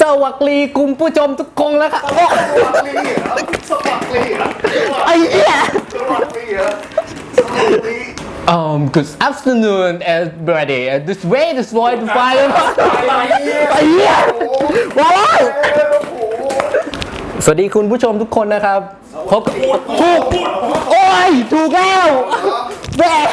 สวัสดีคุณผู้ชมทุกคนแล้วครับไอ้เหี้ยgood afternoon everybody this way this way to fire ไอ้เหี้ยว้าวสวัสดีคุณผู้ชมทุกคนนะครับพบถูกโอ้ยถูกแล้วแม่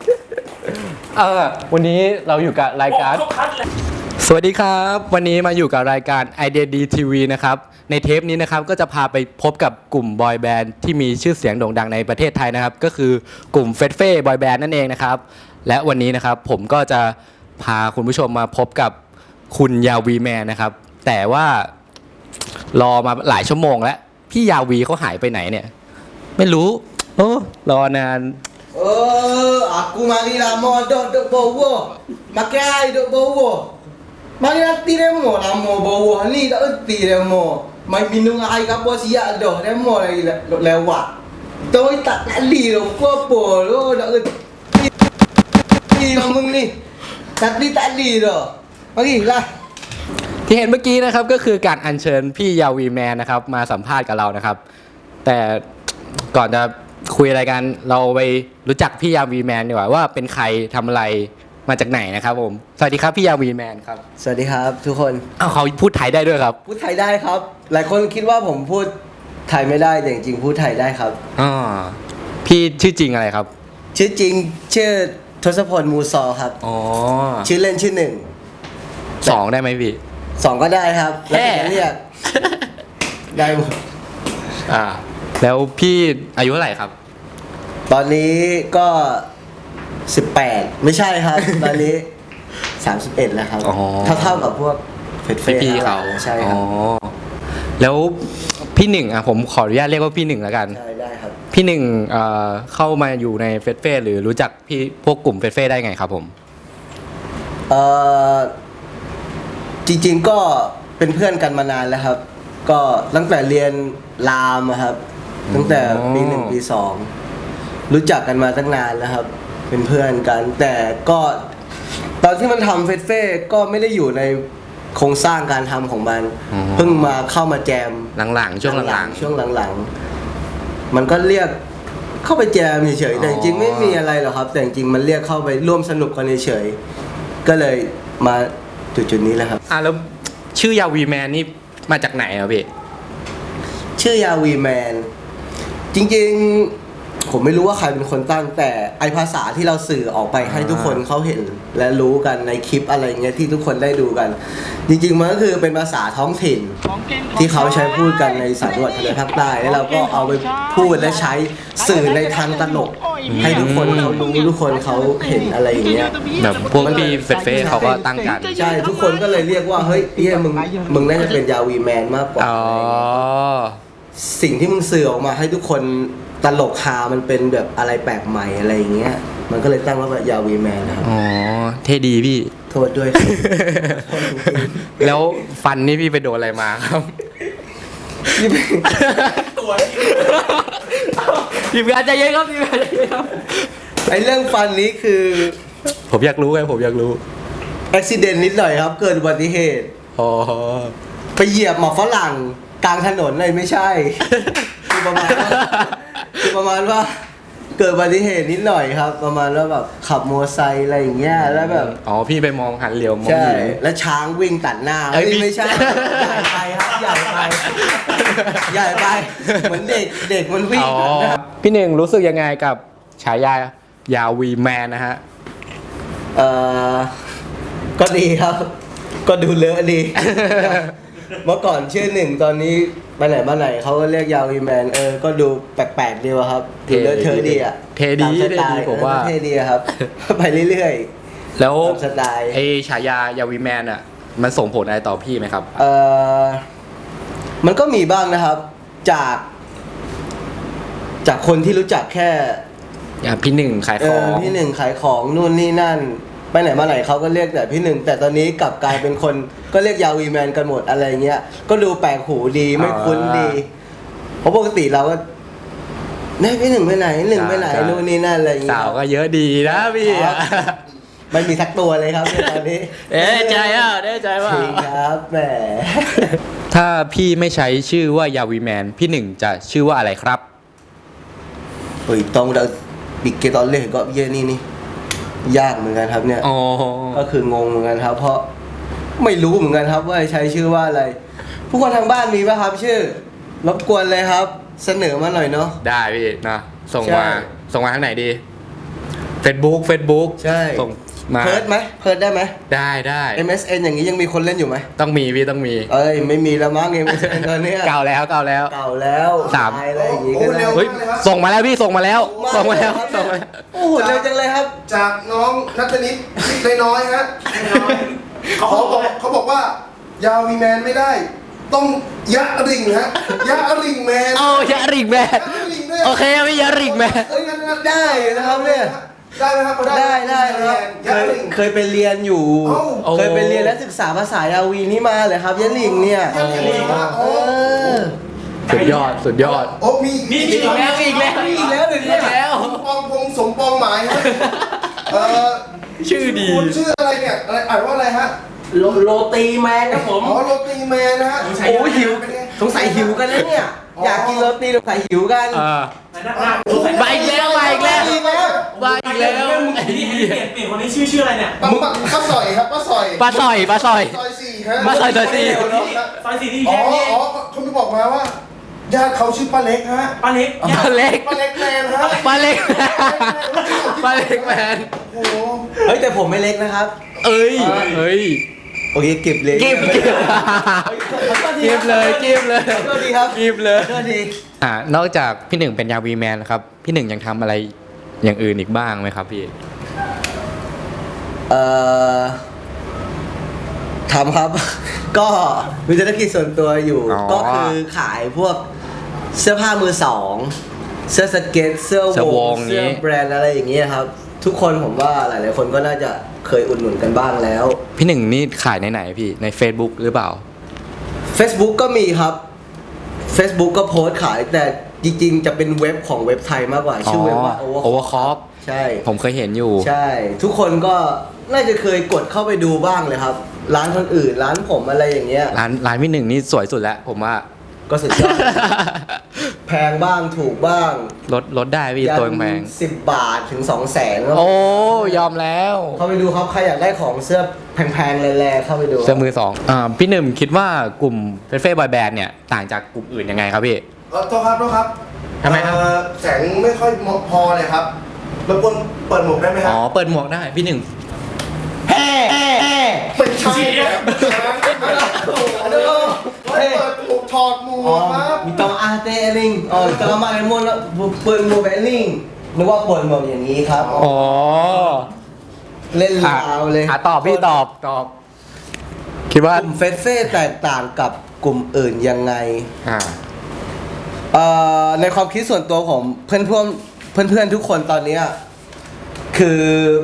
วันนี้เราอยู่กับรายการสวัสดีครับวันนี้มาอยู่กับรายการ Idea D TV นะครับในเทปนี้นะครับก็จะพาไปพบกับกลุ่มบอยแบนด์ที่มีชื่อเสียงโด่งดังในประเทศไทยนะครับก็คือกลุ่มเฟสเฟ่บอยแบนด์นั่นเองนะครับและวันนี้นะครับผมก็จะพาคุณผู้ชมมาพบกับคุณยาวีแมนนะครับแต่ว่ารอมาหลายชั่วโมงแล้วพี่ยาวีเขาหายไปไหนเนี่ยไม่รู้รอนาน aku mari lama duk bawah. Makan air duk bawah. Mari nanti demo lama bawah ni tak erti demo. Mai minum air apa siap dah demo lagi lewat. Tu tak tali dah apa lu tak erti ngomong ni. Tadi tali dah. Marilah. ที่เห็นเมื่อกี้นะครับก็คือการอัญเชิญพี่ยาวีแมนนะครับมาสัมภาษณ์กับเรานะครับแต่ก่อนจะคุยอะไรกันเราไปรู้จักพี่ยาวีแมนดีกว่าว่าเป็นใครทำอะไรมาจากไหนนะครับผมสวัสดีครับพี่ยาวีแมนครับสวัสดีครับทุกคนเขาพูดไทยได้ด้วยครับพูดไทยได้ครับหลายคนคิดว่าผมพูดไทยไม่ได้แต่จริงๆพูดไทยได้ครับพี่ชื่อจริงอะไรครับชื่อจริงชื่อทศพลมูซอครับชื่อเล่นชื่อหนึ่ง 2ได้ไหมพี่ 2ก็ได้ครับแล้วแต่เรียกได้หมดแล้วพี่อายุเท่าไหร่ครับตอนนี้ก็18ไม่ใช่ครับตอนนี้31แล้วครับเท่ากับพวกเฟสพี่เขาใช่ครับแล้วพี่หนึ่งผมขออนุญาตเรียกว่าพี่หนึ่งแล้วกันใช่ได้ครับพี่หนึ่งเข้ามาอยู่ในเฟสหรือรู้จักพี่พวกกลุ่มเฟสได้ไงครับผมจริงๆก็เป็นเพื่อนกันมานานแล้วครับก็ตั้งแต่เรียนรามครับตั้งแต่ปี1ปี2รู้จักกันมาตั้งนานแล้วครับเป็นเพื่อนกันแต่ก็ตอนที่มันทำเฟสก็ไม่ได้อยู่ในโครงสร้างการทำของมันเพิ่งมาเข้ามาแจมหลังๆช่วงหลังๆมันก็เรียกเข้าไปแจมเฉยๆแต่จริงๆไม่มีอะไรหรอกครับแต่จริงๆมันเรียกเข้าไปร่วมสนุกกันเฉยๆก็เลยมาจุดนี้แหละครับแล้วชื่อยาวีแมนนี่มาจากไหนอ่ะพี่ชื่อยาวีแมนจริงๆผมไม่รู้ว่าใครเป็นคนตั้งแต่ไอภาษาที่เราสื่อออกไปให้ทุกคนเขาเห็นและรู้กันในคลิปอะไรเงี้ยที่ทุกคนได้ดูกันจริงๆมันก็คือเป็นภาษาท้องถิ่นที่เขาใช้พูดกันใน3จังหวัดทะเลภาคใต้แล้วเราก็เอาไปพูดและใช้สื่อในทางตลกให้ทุกคนเขารู้ทุกคนเขาเห็นอะไรอย่างเงี้ยแบบพวกพี่เฟสเขาก็ตั้งกันใช่ทุกคนก็เลยเรียกว่าเฮ้ยมึงน่าจะเป็นยาวีแมนมากกว่าสิ่งที่มึงสื่อออกมาให้ทุกคนตลกฮามันเป็นแบบอะไรแปลกใหม่อะไรอย่างเงี้ยมันก็เลยตั้งว่ายาวีแมนนะครับเท่ดีพี่โทษด้วยแล้วฟันนี่พี่ไปโดนอะไรมาครับตัวทีมงานใจเย็นครับทีมงานใจเย็นครับไอเรื่องฟันนี้คือผมอยากรู้ไงผมอยากรู้อุบิเหตุนิดหน่อยครับเกิดอุบัติเหตุไปเหยียบหมอกฝรั่งกลางถนนเลยไม่ใช่คือประมาณว่าเกิดอุบัติเหตุนิดหน่อยครับประมาณว่าแบบขับมอเตอร์ไซค์อะไรอย่างเงี้ยแล้วแบบพี่ไปมองหันเหลียวมองอยู่แล้วช้างวิ่งตัดหน้าไม่ใช่ใหญ่ไปครับใหญ่ไปเหมือนเด็กมันวิ่งพี่หนึ่งรู้สึกยังไงกับฉายายาวีแมนนะฮะก็ดีครับก็ดูเลอะดีเมื่อก่อนชื่อหนึ่งตอนนี้ไปไหนมาไหนเขาก็เรียกยาวีแมนก็ดูแปลกๆดีวะครับดูเลอะเทอะดีอ่ะเทดีผมว่าเทดีครับไปเรื่อยๆแล้วสไตล์ไอฉายายาวีแมนอ่ะมันส่งผลอะไรต่อพี่ไหมครับมันก็มีบ้างนะครับจากคนที่รู้จักแค่พี่หนึ่งขายของพี่หนึ่งขายของนู่นนี่นั่นไปไหนมาไหนเขาก็เรียกแต่พี่หนึ่งแต่ตอนนี้กลับกลายเป็นคนก็เรียกยาวีแมนกันหมดอะไรเงี้ยก็ดูแปลกหูดีไม่คุ้นดีเพราะปกติเราก็พี่หนึ่งไปไหนหนึ่งไปไหนนู่นนี่นั่นอะไรเงี้ยสาวก็เยอะดีนะพี่ไม่มีสักตัวเลยครับในตอนนี้ใจอ่ะได้ใจว่าจริงครับแหมถ้าพี่ไม่ใช้ชื่อว่ายาวีแมนพี่หนึ่งจะชื่อว่าอะไรครับโอ้ยต้องเราบิกเกตอนเล่นก็เย่นี่ยากเหมือนกันครับเนี่ยอ๋อก็คืองงเหมือนกันครับ เพราะไม่รู้เหมือนกันครับว่าใช้ชื่อว่าอะไร ผู้คนทางบ้านมีป่ะครับ ชื่อรบกวนเลยครับ เสนอมาหน่อยเนาะได้พี่นะส่งใช่มาทางไหนดี Facebook ใช่ส่งมาเพิร์ดไหมเพิร์ดได้ไหมได้ MSN อย่างนี้ยังมีคนเล่นอยู่ไหมต้องมีพี่ต้องมีเอ้ยไม่มีแล้วมั้ง MSN ตอนเนี้ยเก่าแล้วเก่าแล้วสามตายอะไรอย่างงี้ก็ได้เฮ้ยส่งมาแล้วพี่ส่งมาแล้วส่งมาแล้วโอ้โหเร็วจังเลยครับจากน้องนัทนิดคิดน้อยๆฮะเขาบอกว่ายาวีแมนไม่ได้ ต้องยะริงฮะยะริงแมนโอ้ยาริกแมนยะริงด้วยโอเคพี่ยาริกแมนเอ้ยงั้นได้นะครับเนี่ยได้ไหมครับได้ครับยะริงเคยไปเรียนอยู่เอ้าเคยไปเรียนและศึกษาภาษายาวีนี่มาเลยครับยะหลิงเนี่ยยะริงฮะเอโอ้อสุดยอดโอ้มีอีกแล้วอีกแล้วอีกแล้วหรือเนี่ยสมปองพงษ์สมปองหมายฮะเออชื่อดีคุณชื่ออะไรเนี่ยอะไรอ่านว่าอะไรฮะโรตีแมนครับผมอ๋อโรตีแมนนะฮะโอ้หิวเป็นไงสงสัยหิวกันแล้วเนี่ย อยากกินโรตีสงสัยหิวกันมาอีกแล้วอีกแล้วมาอีกแล้วเปลี่ยนคนนี้ชื่ออะไรเนี่ยป้าสอยครับป้าสอยปลาสอยซอยสี่ฮะป้าสอยซอยสี่ซอยสี่ที่อ๋แยอกนี่อ๋อเขาจะบอกมาว่าญาติเขาชื่อป้าเล็กฮะป้าเล็กปลาเล็กป้าเล็กแมนฮะปลาเล็กปลาเล็กแมนโอ้โหเฮ้ยแต่ผมไม่เล็กนะครับเฮ้ยโอเคเก็บเลยกิบเลยกิบเลยโทษทีครับกิบเลยโทษทีนอกจากพี่หนึ่งเป็นยาวีแมนครับพี่หนึ่งยังทำอะไรอย่างอื่นอีกบ้างไหมครับพี่เอ่อทำครับ ก็มีธุรกิจส่วนตัวอยู่อ๋อก็คือขายพวกเสื้อผ้ามือสอง เสื้อสเก็ต เสื้อเสื้อววงงเสื้อนี้แบรนด์อะไรอย่างเงี้ยครับ ทุกคนผมว่าหลายๆคนก็น่าจะเคยอุดหนุนกันบ้างแล้วพี่หนึ่งนี่ขายในไหนพี่ใน Facebook หรือเปล่า Facebook ก็มีครับ Facebook ก็โพสต์ขาย แต่จริงๆ จะเป็นเว็บของเว็บไทยมากกว่า ชื่อเว็บว่า Overclock ใช่ผมเคยเห็นอยู่ใช่ ทุกคนก็น่าจะเคยกดเข้าไปดูบ้างเลยครับ ร้านคนอื่น ร้านผมอะไรอย่างเงี้ยร้านพี่หนึ่งนี่สวยสุดแล้วผมว่าก็สุดยอด แพงบ้างถูกบ้างลดได้พี่ตัวแพง 10 บาทถึง 200,000ก็โอ้ยอมแล้วเข้าไปดูครับ ใครอยากได้ของเสื้อแพงๆแรงๆเข้าไปดูเสื้อมือสองพี่หนึ่งคิดว่ากลุ่มเฟสเฟ่บอยแบนด์เนี่ยต่างจากกลุ่มอื่นยังไงครับพี่โทษครับทำไมครับแสงไม่ค่อยพอเลยครับรบกวนเปิดหมวกได้ไหมครัอ๋อเปิดหมวกได้พี่หนึ่งไม่ใช่ครับเปิดหมวกถอดหมวอ๋อกครับมีตองอาเตลิงอ๋อกระมาเลมอนแล้วเปิดโมเบลลิงนึกว่าเปิดหมวกอย่างนี้ครับอ๋อเล่นลาวเลยตอบพี่ตอบคิดว่ากลุ่มเฟสเฟ่แตกต่างกับกลุ่มอื่นยังไงอ่าในความคิดส่วนตัวของเพื่อนทุกคนตอนเนี้ยคือ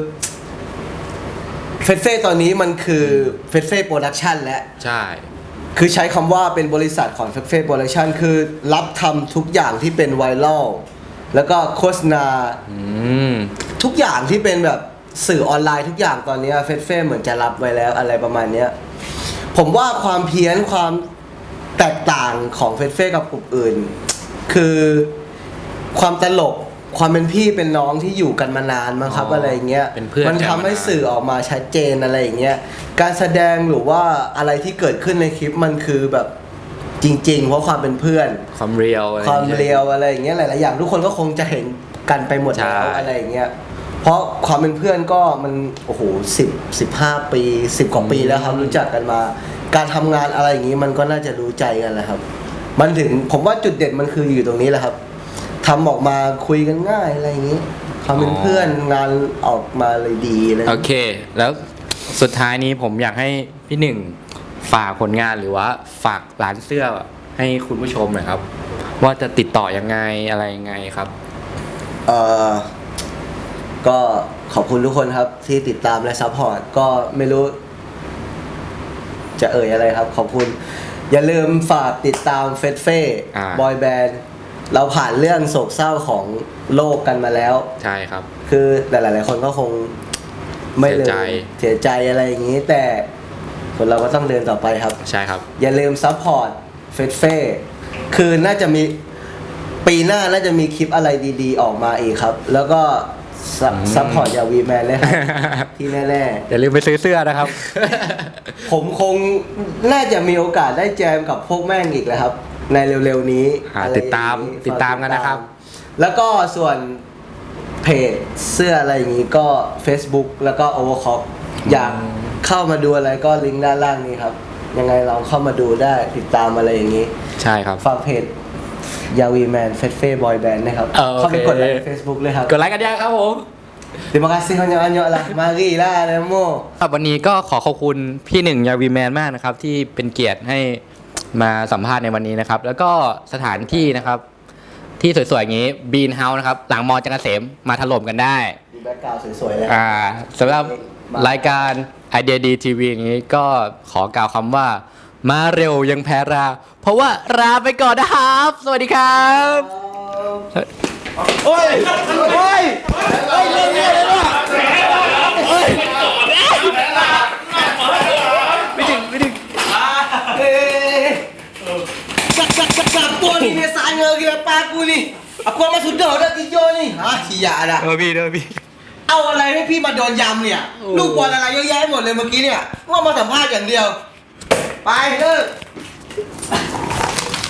เฟสเฟ่ตอนนี้มันคือเฟสเฟ่โปรดักชันและใช่คือใช้คำว่าเป็นบริษัทของเฟสเฟ่โปรดักชันคือรับทำทุกอย่างที่เป็นไวรัลแล้วก็โฆษณาอืมทุกอย่างที่เป็นแบบสื่อออนไลน์ทุกอย่างตอนนี้เฟสเฟ่เหมือนจะรับไว้แล้วอะไรประมาณเนี้ยผมว่าความเพี้ยนความแตกต่างของเฟสเฟ่กับกลุ่มอื่น คือความตลกความเป็นพี่เป็นน้องที่อยู่กันมานานมั้งครับอะไรอย่างเงี้ยเป็นเพื่อนมันทำให้สื่อออกมาชัดเจนอะไรอย่างเงี้ยการแสดงหรือว่าอะไรที่เกิดขึ้นในคลิปมันคือแบบจริง ๆ เพราะความเป็นเพื่อนความเรียวความเรียวอะไรอย่างเงี้ยหลายๆอย่างทุกคนก็คงจะเห็นกันไปหมดแล้วใช่อะไรอย่างเงี้ยเพราะความเป็นเพื่อนก็มันโอ้โห15 ปี 10 กว่าปีแล้วครับรู้จักกันมา การทำงานอะไรอย่างงี้มันก็น่าจะรู้ใจกันแหละครับ มันถึงผมว่าจุดเด่นมันคืออยู่ตรงนี้แหละครับทำออกมาคุยกันง่ายอะไรอย่างงี้ความเป็นเพื่อนงานออกมาเลยดีเลยโอเค แล้วสุดท้ายนี้ผมอยากให้พี่หนึ่งฝากผลงานหรือว่าฝากร้านเสื้อให้คุณผู้ชมหน่อยครับ ว่าจะติดต่อยังไงอะไรยังไงครับเอ่อก็ขอบคุณทุกคนครับที่ติดตามและซัพพอร์ตก็ไม่รู้ จะเอ่ยอะไรครับ ขอบคุณ อย่าลืมฝากติดตามเฟสเฟ่อ่าบอยแบนด์เราผ่านเรื่องโศกเศร้าของโลกกันมาแล้วใช่ครับคือหลายๆคนก็คงไม่เลยเสียใจเสียใจอะไรอย่างนี้ แต่คนเราก็ต้องเดินต่อไปครับใช่ครับอย่าลืมซัพพอร์ตเฟสเฟ่คือน่าจะมีปีหน้าน่าจะมีคลิปอะไรดีๆออกมาอีกครับ แล้วก็ซัพพอร์ตยาวีแมนเลยครับ ที่แน่อย่าลืมไปซื้อเสื้อนะครับๆ ผมคงน่าจะมีโอกาสได้แจมกับพวกแม่งอีกแล้วครับ ในเร็วๆนี้ อะไรติดตามอย่งนี้ติดตามกันนะครับแล้วก็ส่วนเพจเสื้ออะไรอย่างนี้ก็ Facebook แล้วก็ Overclock อยากเข้ามาดูอะไรก็ลิงก์ด้านล่างนี้ครับ ยังไงลองเข้ามาดูได้ติดตามอะไรอย่างนี้ใช่ครับฝากเพจยาวีแมนเฟสเฟ่บอยแบนด์นะครับโอเคเข้าไปกดไลค์ Facebook เลยครับกดไลค์กันยังครับผม Terima kasih banyak-banyak lah. Marilah Nemo. ครับวันนี้ก็ขอขอบคุณพี่หนึ่งยาวีแมนมากนะครับ ที่เป็นเกียรติให้มาสัมภาษณ์ในวันนี้นะครับ แล้วก็สถานที่นะครับ ที่สวยๆอย่างนี้บีนเฮาส์นะครับ หลังมอจักรเกษมมาถล่มกันได้มีแบ็คกราวด์สวยๆเลยสำหรับรายการ Idea D TV อย่างนี้ก็ขอกล่าวคำว่า มาเร็วยังแพ้รา เพราะว่าราไปก่อนนะครับ สวัสดีครับ โอ้ยโอ้ยโอ้ยเรื่องนี้เลยว่ะโอ้ยไม่ถึง Siapa ni dia sana gila paku ni? Aku sama sudah dah tiga ni. Siap dah. พี่เด้อพี่เอาอะไรให้พี่มาโดนยำเนี่ย ลูกบอลอะไรเยอะแยะหมดเลยเมื่อกี้เนี่ยว่ามาสัมภาษณ์อย่างเดียว ไปเลิก